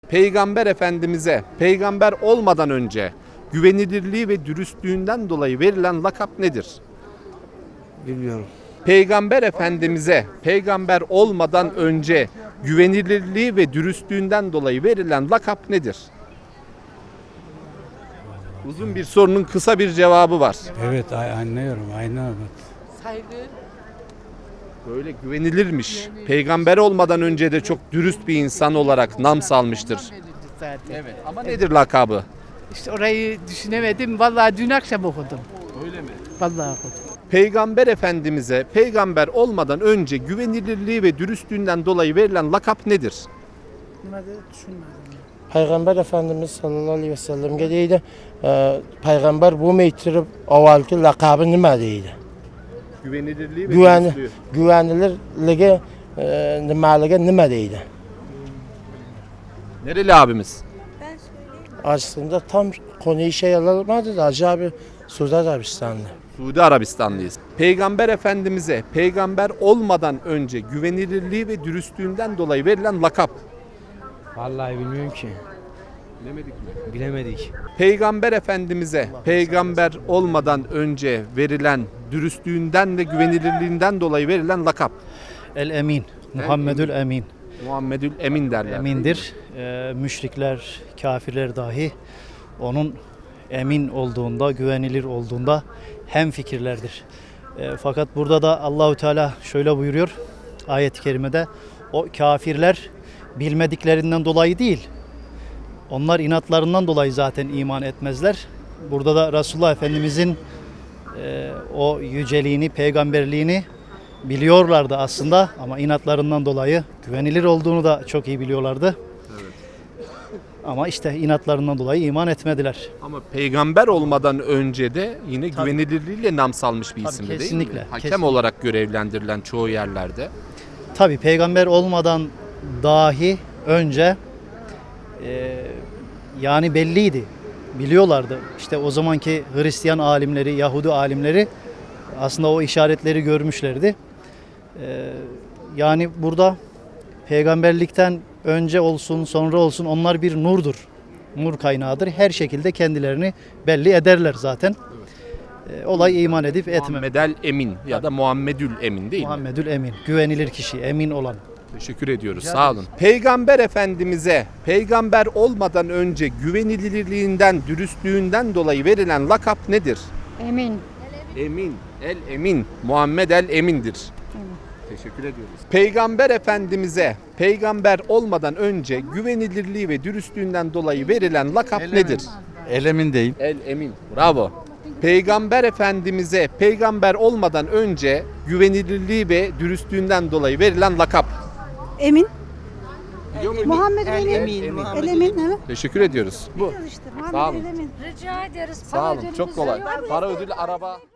Peygamber Efendimiz'e peygamber olmadan önce güvenilirliği ve dürüstlüğünden dolayı verilen lakap nedir? Bilmiyorum. Peygamber Efendimiz'e peygamber olmadan önce güvenilirliği ve dürüstlüğünden dolayı verilen lakap nedir? Uzun bir sorunun kısa bir cevabı var. Evet anlıyorum. Aynen. Saygı. Böyle güvenilirmiş. Peygamber olmadan önce de çok dürüst bir insan olarak nam salmıştır. Zaten. Evet. Ama nedir lakabı? İşte orayı düşünemedim. Vallahi dün akşam okudum. Öyle mi? Vallahi okudum. Peygamber Efendimiz'e peygamber olmadan önce güvenilirliği ve dürüstlüğünden dolayı verilen lakap nedir? Peygamber Efendimiz sallallahu aleyhi ve sellem'e deydi, peygamber bu meytirib avvalki lakabı nima deydi? Güvenilirliği ve dürüstlüğü. Güvenilirligi nimaligi nima deydi? Nereli abimiz? Aslında tam konuyu şey alamadı da Hacı abi Suudi Arabistanlı. Suudi Arabistanlıyız. Peygamber Efendimiz'e peygamber olmadan önce güvenilirliği ve dürüstlüğünden dolayı verilen lakap. Vallahi bilmiyorum ki. Bilemedik mi? Bilemedik. Peygamber Efendimiz'e peygamber olmadan önce verilen dürüstlüğünden ve güvenilirliğinden dolayı verilen lakap. El Emin, Muhammedül Emin. Muhammedül Emin derler. Emindir. Müşrikler, kafirler dahi onun emin olduğunda, güvenilir olduğunda hemfikirlerdir. Fakat burada da Allahu Teala şöyle buyuruyor ayet-i kerimede, o kafirler bilmediklerinden dolayı değil, onlar inatlarından dolayı zaten iman etmezler. Burada da Resulullah Efendimizin o yüceliğini, peygamberliğini biliyorlardı aslında ama inatlarından dolayı güvenilir olduğunu da çok iyi biliyorlardı. Evet. Ama işte inatlarından dolayı iman etmediler. Ama peygamber olmadan önce de yine Tabii. güvenilirliğiyle nam salmış bir Tabii, isim değil mi? kesinlikle, Hakem kesinlikle. olarak görevlendirilen çoğu yerlerde. Tabii peygamber olmadan dahi önce yani belliydi. Biliyorlardı. İşte o zamanki Hristiyan alimleri, Yahudi alimleri aslında o işaretleri görmüşlerdi. Yani burada peygamberlikten önce olsun, sonra olsun onlar bir nurdur. Nur kaynağıdır. Her şekilde kendilerini belli ederler zaten. Olay iman edip etmemek. Muhammedel Emin ya da Muhammedül Emin değil mi? Muhammedül Emin. Güvenilir kişi, emin olan. Teşekkür ediyoruz. Sağ olun. Peygamber Efendimiz'e peygamber olmadan önce güvenilirliğinden, dürüstlüğünden dolayı verilen lakap nedir? Emin. Emin. El Emin. Muhammed El Emin'dir. Teşekkür ediyoruz. Peygamber Efendimiz'e peygamber olmadan önce güvenilirliği ve dürüstlüğünden dolayı verilen lakap nedir? Elemin değil. El Emin. Bravo. Peygamber Efendimiz'e peygamber olmadan önce güvenilirliği ve dürüstlüğünden dolayı verilen lakap. Emin. Biliyor muydun? Muhammed Emin. El Emin. Evet. Teşekkür ediyoruz. Bu. İşte Sağ Muhammed olun. El Emin. Rica ederiz. Sağ olun. Çok kolay. Para ödülü araba.